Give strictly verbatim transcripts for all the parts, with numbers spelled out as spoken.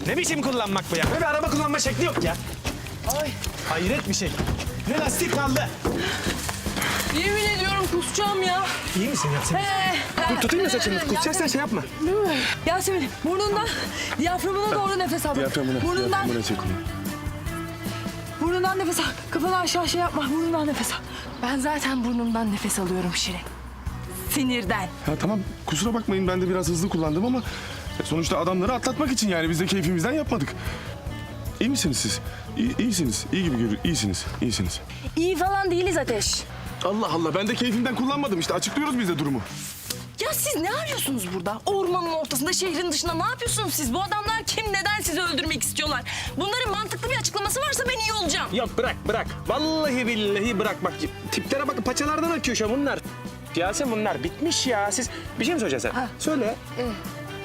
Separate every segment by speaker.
Speaker 1: Ne biçim kullanmak bu ya? Böyle bir araba kullanma şekli yok ya.
Speaker 2: Ay.
Speaker 1: Hayret bir şey. Ne lastik kaldı.
Speaker 2: Yemin ediyorum kusacağım ya.
Speaker 1: İyi misin Yasemin?
Speaker 2: Ee,
Speaker 1: Dur tutayım mı saçını? Kusacaksan şey yapma.
Speaker 2: Yasemin burnundan diyaframına doğru nefes al.
Speaker 3: Diyaframına,
Speaker 2: Burnundan,
Speaker 3: diyaframına çek onu.
Speaker 2: burnundan nefes al. Kafanı aşağı şey yapma. Burnundan nefes al. Ben zaten burnumdan nefes alıyorum Şirin. Sinirden.
Speaker 3: Ya tamam kusura bakmayın ben de biraz hızlı kullandım ama sonuçta adamları atlatmak için yani biz de keyfimizden yapmadık. İyi misiniz siz? İyi, iyisiniz. İyi gibi görünüyor. İyisiniz. İyisiniz.
Speaker 2: İyi falan değiliz Ateş.
Speaker 3: Allah Allah ben de keyfimden kullanmadım işte açıklıyoruz biz de durumu.
Speaker 2: Ya siz ne arıyorsunuz burada? Ormanın ortasında, şehrin dışında ne yapıyorsunuz siz? Bu adamlar kim, neden sizi öldürmek istiyorlar? Bunların mantıklı bir açıklaması varsa ben iyi olacağım.
Speaker 1: Yok bırak bırak. Vallahi billahi bırak bak. Tiplere bak paçalardan akıyor şu an bunlar. Yasemin bunlar bitmiş ya. Siz bir şey mi söyleyeceksin sen?
Speaker 2: Ha.
Speaker 1: Söyle.
Speaker 2: Evet.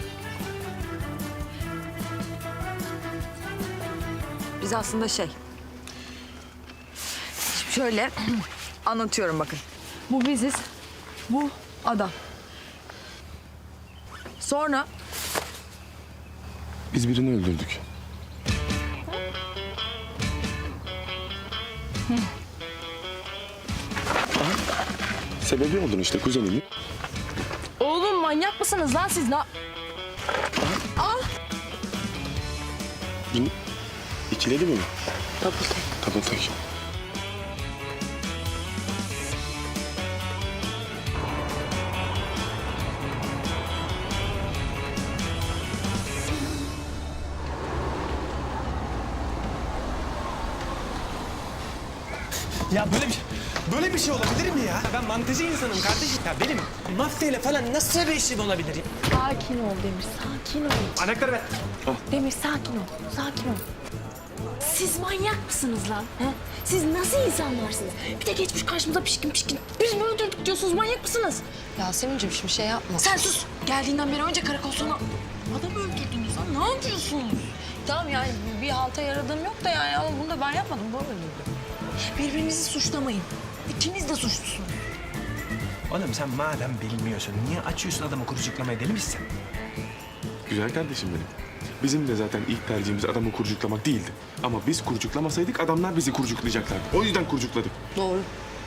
Speaker 4: Biz aslında şey... Şöyle anlatıyorum bakın. Bu biziz, bu adam. Sonra
Speaker 3: Biz birini öldürdük. Aha, sebebi oldun işte kuzenimin.
Speaker 2: Oğlum manyak mısınız lan siz? Ne...
Speaker 3: Bunu ikiledi mi?
Speaker 2: Double take.
Speaker 3: Double take.
Speaker 1: Ya böyle bir böyle bir şey olabilir mi ya? Ben mantıcı insanım kardeşim. Ya benim mafyayla falan nasıl bir işim olabilir ya?
Speaker 5: Sakin ol Demir, sakin ol.
Speaker 1: Anahtarı ver.
Speaker 5: Demir sakin ol, sakin ol. Siz manyak mısınız lan? He? Siz nasıl insanlarsınız? Bir de geçmiş karşımıza pişkin pişkin. Biz mi öldürdük diyorsunuz, manyak mısınız?
Speaker 4: Yasemin'cim şimdi şey yapma.
Speaker 5: Sen sus. Geldiğinden beri önce karakol sonra adam öldürdünüz lan. Ne yapıyorsunuz?
Speaker 4: Tamam yani bir halta yaradığım yok da yani ama bunu da ben yapmadım. Bu öldürdü.
Speaker 5: Birbirinizi suçlamayın. İkiniz de suçlusunuz.
Speaker 1: Oğlum sen madem bilmiyorsun niye açıyorsun adamı kurucuklamayı, deli misin?
Speaker 3: Güzel kardeşim benim. Bizim de zaten ilk tercihimiz adamı kurcuklamak değildi. Ama biz kurcuklamasaydık adamlar bizi kurcuklayacaklardı. O yüzden kurcukladık.
Speaker 4: Doğru.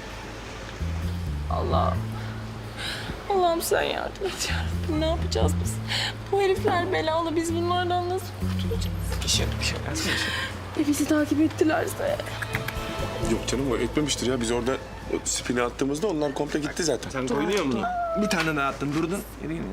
Speaker 2: Allah'ım sen yardım et yarabbim. Ne yapacağız biz? Bu herifler belalı. Biz bunlardan nasıl kurtulacağız?
Speaker 1: Bir şey yok, bir şey yok. Yasemin, bir şey yok.
Speaker 2: E bizi takip ettilerse.
Speaker 3: Yok canım o etmemiştir ya. Biz orada o spini attığımızda onlar komple gitti zaten.
Speaker 1: Sen koyuyor musun? Bir tane daha attın, durdun. Yürü yürü.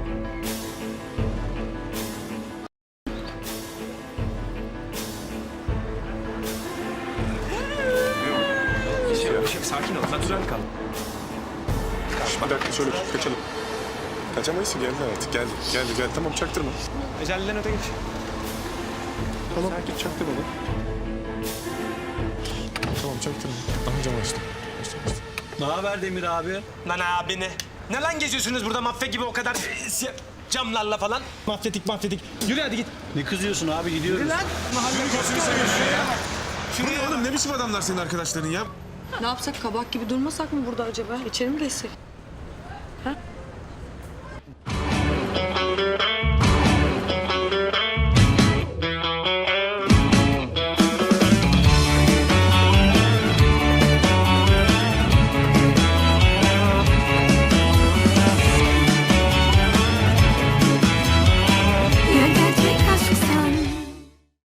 Speaker 1: Bir şey yok, bir şey yok. Sakin ol. Natürel kal.
Speaker 3: Şş, bir dakika şöyle kaçalım. Kaçamayız ki geldi artık. Geldi, geldi, geldi. Tamam çaktırma.
Speaker 1: Ecelliden öte geç.
Speaker 3: Tamam git çaktırma lan. Tamam çaktırma. Aha cam açtım. Açtım, açtım.
Speaker 1: Ne haber Demir abi? Lan abi ne? Ne lan geziyorsunuz burada mafya gibi o kadar e, si- camlarla falan? Mafyatik mafyatik. Yürü hadi git.
Speaker 6: Ne kızıyorsun abi, gidiyoruz.
Speaker 1: Yürü lan. Mahalle
Speaker 3: Gözünü seveyim şuraya. Şuraya oğlum ne biçim adamlar senin arkadaşların ya?
Speaker 4: Ne yapsak kabak gibi durmasak mı burada acaba? İçeri mi geçsek? Ha?